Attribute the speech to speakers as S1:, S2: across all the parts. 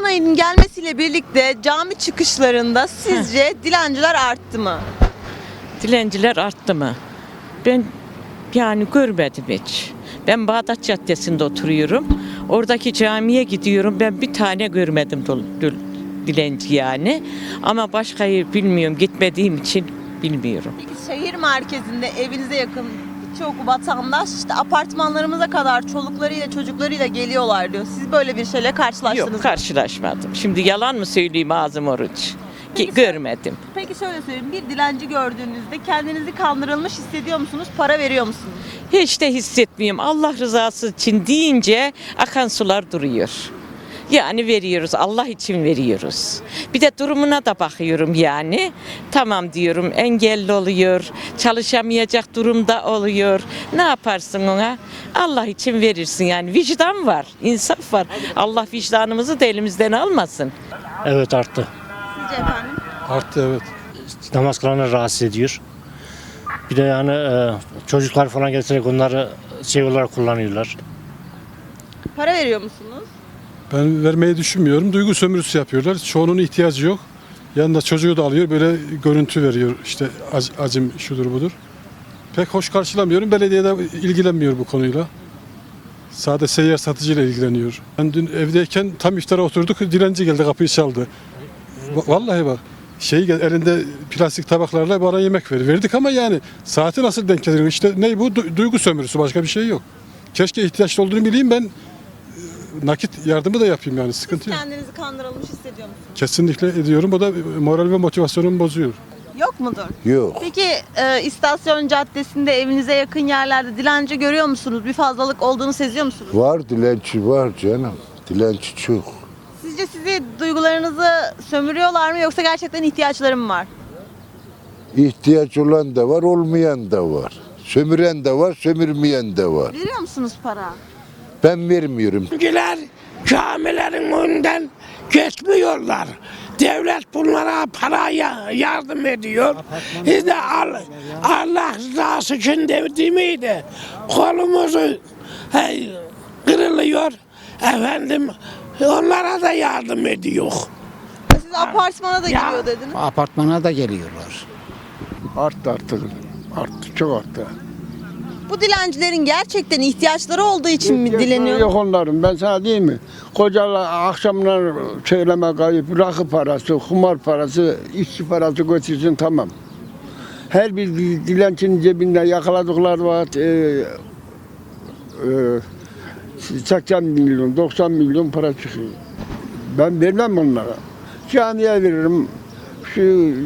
S1: ayının gelmesiyle birlikte cami çıkışlarında sizce dilenciler arttı mı?
S2: Dilenciler arttı mı? Ben yani görmedim hiç. Ben Bağdat Caddesi'nde oturuyorum. Oradaki camiye gidiyorum. Ben bir tane görmedim dilenci yani. Ama başkayı bilmiyorum. Gitmediğim için bilmiyorum.
S1: Peki şehir merkezinde evinize yakın çok vatandaş işte apartmanlarımıza kadar çoluklarıyla çocuklarıyla geliyorlar diyor. Siz böyle bir şeyle karşılaştınız
S2: Yok,
S1: mı?
S2: karşılaşmadım. Şimdi yalan mı söyleyeyim, ağzım oruç?
S1: Peki
S2: Görmedim.
S1: Peki şöyle söyleyeyim. Bir dilenci gördüğünüzde kendinizi kandırılmış hissediyor musunuz? Para veriyor musunuz?
S2: Hiç de hissetmiyorum. Allah rızası için deyince akan sular duruyor. Yani veriyoruz, Allah için veriyoruz. Bir de durumuna da bakıyorum yani. Tamam diyorum, engelli oluyor, çalışamayacak durumda oluyor. Ne yaparsın ona? Allah için verirsin yani. Vicdan var, insaf var. Allah vicdanımızı da elimizden almasın.
S3: Evet, arttı.
S1: Sizce efendim?
S4: Arttı, evet.
S3: Namaz kılanları rahatsız ediyor. Bir de yani çocuklar falan getirerek onları şey olarak kullanıyorlar.
S1: Para veriyor musunuz?
S4: Ben vermeyi düşünmüyorum. Duygu sömürüsü yapıyorlar. Çoğunun ihtiyacı yok. Yanında çocuğu da alıyor. Böyle görüntü veriyor. İşte acım şudur budur. Pek hoş karşılamıyorum. Belediye de ilgilenmiyor bu konuyla. Sadece seyyar satıcıyla ilgileniyor. Ben dün evdeyken tam iftara oturduk. Dilenci geldi, kapıyı çaldı. Vallahi bak. Elinde plastik tabaklarla bana yemek verdik ama yani saati nasıl denk geliyor? İşte ne bu? Duygu sömürüsü, başka bir şey yok. Keşke ihtiyaçlı olduğunu bileyim, ben nakit yardımı da yapayım yani, sıkıntı yok.
S1: Kendinizi kandırılmış hissediyor musunuz?
S4: Kesinlikle ediyorum. O da moral ve motivasyonumu bozuyor.
S1: Yok mudur?
S5: Yok.
S1: Peki istasyon caddesinde evinize yakın yerlerde dilenci görüyor musunuz? Bir fazlalık olduğunu seziyor musunuz?
S5: Var, dilenci var canım. Dilenci çok.
S1: Sizce sizi duygularınızı sömürüyorlar mı yoksa gerçekten ihtiyaçları mı var?
S5: İhtiyaç olan da var, olmayan da var. Sömüren de var, sömürmeyen de var.
S1: Veriyor musunuz para?
S5: Ben vermiyorum.
S6: Bizimkiler camilerin önünden geçmiyorlar. Devlet bunlara paraya yardım ediyor. Biz de Allah rızası için değil miydi? Kolumuzu kırılıyor. Efendim onlara da yardım ediyor.
S1: Siz apartmana da giriyor dediniz.
S7: Apartmana da geliyorlar.
S8: Arttı artık. Arttı, çok arttı.
S1: Bu dilencilerin gerçekten ihtiyaçları olduğu için mi dileniyor?
S8: Yok onların, ben sana diyeyim mi? Kocalar akşamlar söyleme kayıp, rakı parası, kumar parası, işçi parası götürsün, tamam. Her bir dilencinin cebinde yakaladıkları var. 80 milyon, 90 milyon para çıkıyor. Ben vermem onlara. Camiye veririm. Şu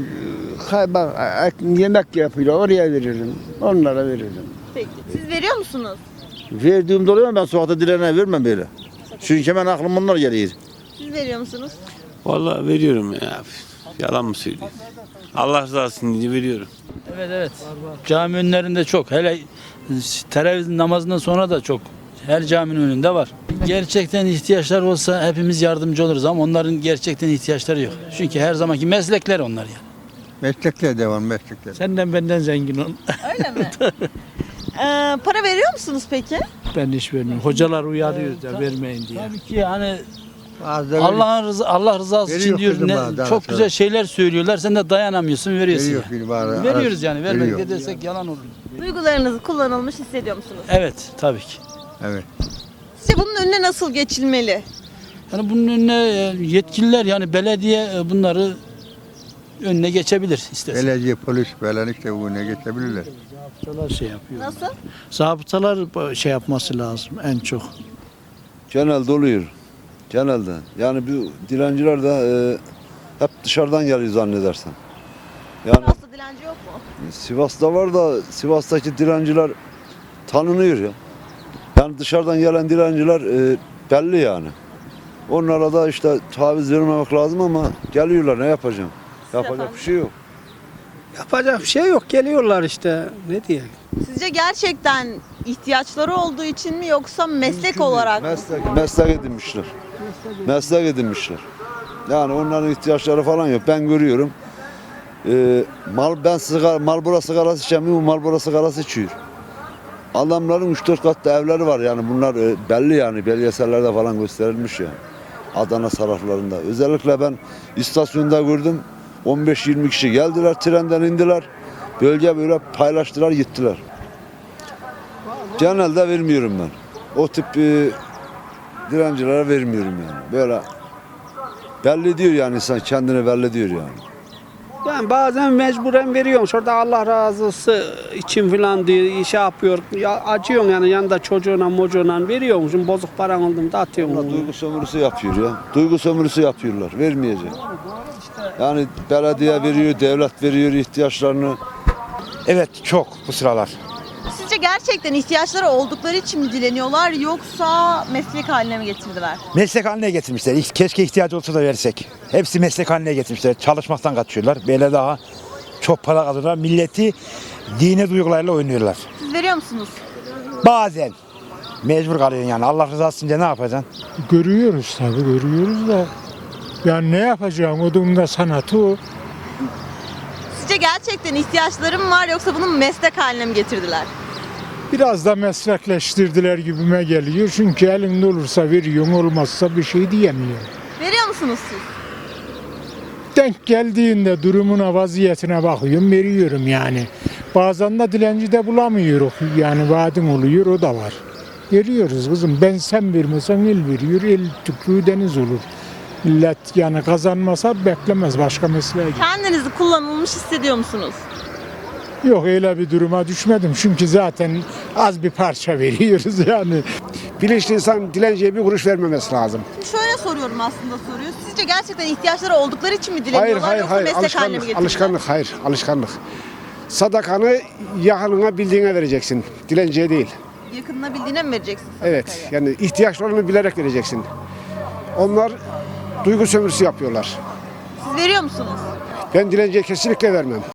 S8: yemek yapıyor, oraya veririm. Onlara veririm.
S1: Peki. Siz veriyor musunuz?
S9: Verdiğimde oluyor ama ben sokakta dilene vermem böyle. Çünkü hemen aklım onlar geliyor.
S1: Siz veriyor musunuz?
S10: Vallahi veriyorum ya. Yalan mı söyleyeyim? Allah rızası için diye veriyorum.
S11: Evet. Cami önlerinde çok. Hele teravih namazından sonra da çok. Her caminin önünde var. Gerçekten ihtiyaçlar olsa hepimiz yardımcı oluruz ama onların gerçekten ihtiyaçları yok. Çünkü her zamanki meslekler onlar yani.
S8: Meslekle devam, meslekle.
S11: Senden benden zengin ol.
S1: Öyle mi? Para veriyor musunuz peki?
S11: Ben hiç vermiyorum. Hocalar uyarıyor da vermeyin diye. Tabii ki yani
S8: Bazıları
S11: Allah rızası için
S8: Veriyor
S11: diyor.
S8: kızım bana, daha
S11: Çok
S8: sonra.
S11: güzel şeyler söylüyorlar. Sen de dayanamıyorsun, veriyorsun.
S8: veriyor
S11: yani.
S8: bir bana.
S11: Veriyoruz yani. Vermedik
S8: Veriyor.
S11: desek yalan olur.
S1: Duygularınızı kullanılmış hissediyor musunuz?
S11: Evet, tabii ki.
S8: Evet.
S1: Sizce bunun önüne nasıl geçilmeli?
S11: Yani bunun önüne yetkililer yani belediye bunları önüne geçebilir istersen.
S8: Belediye, polis falan işte bu ne geçebilirler.
S11: Zabıtalar şey yapıyor.
S1: Nasıl?
S7: Zabıtalar şey yapması lazım en çok.
S9: Genelde oluyor. Genelde. Yani bu dilenciler de hep dışarıdan geliyor zannedersen. Yani
S1: Sivas'ta dilenci yok mu?
S9: Sivas'ta var da Sivas'taki dilenciler tanınıyor ya. Yani dışarıdan gelen dilenciler belli yani. Onlara da işte taviz vermemek lazım ama geliyorlar, ne yapacağım? Yapacak bir şey yok.
S7: Yapacak bir şey yok, geliyorlar işte, ne diye.
S1: Sizce gerçekten ihtiyaçları olduğu için mi yoksa meslek olarak mı?
S9: Meslek edinmişler. Meslek edinmişler. Yani onların ihtiyaçları falan yok. Ben görüyorum. Marlboro sigarası içemiyor, Marlboro sigarası içiyor. Adamların 3-4 katlı evleri var yani, bunlar belli yani, belgesellerde falan gösterilmiş yani. Adana taraflarında. Özellikle ben istasyonda gördüm. 15-20 kişi geldiler, trenden indiler. Bölge böyle paylaştılar, gittiler. Genelde vermiyorum ben. O tip dilencilere vermiyorum yani. Böyle belli diyor yani insan kendini belli diyor yani.
S7: Yani bazen mecburen veriyorum. Şurada Allah razısı için falan diye şey yapıyor. Ya, acıyorsun yani yanında çocuğuna veriyormuşsun. Bozuk paran oldum da atıyorsun.
S9: Onlar duygu sömürüsü yapıyor ya. Duygu sömürüsü yapıyorlar. Vermeyecek. Yani belediye veriyor, devlet veriyor ihtiyaçlarını.
S12: Evet çok bu sıralar.
S1: Sizce gerçekten ihtiyaçları oldukları için mi dileniyorlar yoksa meslek haline mi getirdiler?
S12: Meslek haline getirmişler. Keşke ihtiyacı olsa da versek. Hepsi meslek haline getirmişler. Çalışmaktan kaçıyorlar. Böyle daha çok para kazanıyorlar. Milleti dini duygularıyla oynuyorlar.
S1: Siz veriyor musunuz?
S12: Bazen mecbur kalıyorsun yani. Allah rızası için de ne yapacaksın?
S3: Görüyoruz tabii, görüyoruz da. Yani ne yapacağım? O durumda sanatı o.
S1: Sizce gerçekten ihtiyaçlarım var yoksa bunu meslek haline mi getirdiler?
S3: Biraz da meslekleştirdiler gibime geliyor. Çünkü elinde olursa veriyorsun, olmazsa bir şey diyemiyor.
S1: Veriyor musunuz siz?
S3: Denk geldiğinde durumuna, vaziyetine bakıyorum, veriyorum yani. Bazen de dilenci de bulamıyoruz. Yani vaadin oluyor, o da var. Veriyoruz kızım. Ben sen vermesen el veriyor, el tükrüğü deniz olur. Millet yani kazanmasa beklemez başka mesleğe gider.
S1: Kendinizi kullanılmış hissediyor musunuz?
S3: Yok öyle bir duruma düşmedim. Çünkü zaten az bir parça veriyoruz yani.
S8: Bilinçli insan dilenciye bir kuruş vermemesi lazım.
S1: Şöyle soruyorum aslında soruyu. Sizce gerçekten ihtiyaçları oldukları için mi dileniyorlar yoksa meslek haline mi getirdiler?
S8: Alışkanlık. Sadakanı yakınına bildiğine vereceksin. Dilenciye değil.
S1: Yakınına bildiğine mi vereceksin sadakayı?
S8: Evet, yani ihtiyaçlarını bilerek vereceksin. Onlar duygu sömürüsü yapıyorlar.
S1: Siz veriyor musunuz?
S8: Ben dilenciye kesinlikle vermem.